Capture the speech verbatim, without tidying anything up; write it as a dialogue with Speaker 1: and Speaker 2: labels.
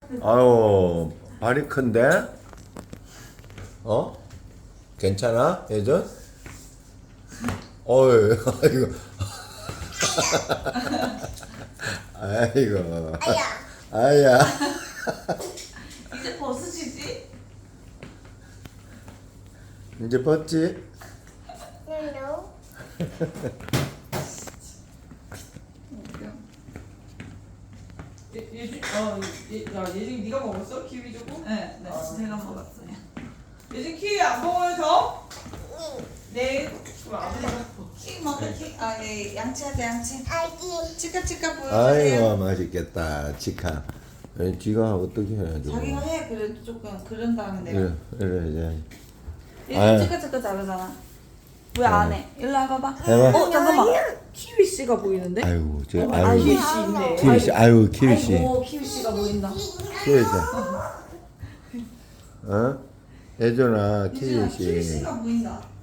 Speaker 1: 아유, 발이 큰데? 어? 괜찮아, 예전? 어이, 아이고. 아이고. 아야.
Speaker 2: 이제 벗으시지?
Speaker 1: 이제 벗지?
Speaker 3: No.
Speaker 4: 예, 예준, 어, 예, 야, 예준 네가 먹었어? 키위 주고?
Speaker 2: 네, 네, 제가 먹었어요.
Speaker 4: 예준 키위 안 먹어요 더? 네. 그럼 안 먹어.
Speaker 2: 키 먹어, 키. 아, 예, 양치하자, 양치.
Speaker 3: 아기.
Speaker 2: 치카 치카 보여주세요.
Speaker 1: 아이고, 맛있겠다, 치카. 에, 지가 어떻게 해야죠?
Speaker 2: 자기가 해, 그래도 조금 그런 다음에 내가.
Speaker 1: 이래, 이래, 이제.
Speaker 2: 얘
Speaker 1: 아유.
Speaker 2: 치카 치카 잘하잖아. 왜 안 해? 일로 와봐봐.
Speaker 1: 해봐.
Speaker 2: 어, 잠깐만. 키위 씨가 보이는데?
Speaker 1: 아이고, 저,
Speaker 2: 아,
Speaker 1: 아이고.
Speaker 4: 키위 씨 있네.
Speaker 1: 키위 씨, 아이고, 키위 씨.
Speaker 2: 아이고, 키위 씨가 보인다.
Speaker 1: 키위 씨. 어? 예전아,
Speaker 2: 유진아,
Speaker 1: 키위
Speaker 2: 키위
Speaker 1: 씨.
Speaker 2: 씨가 보인다.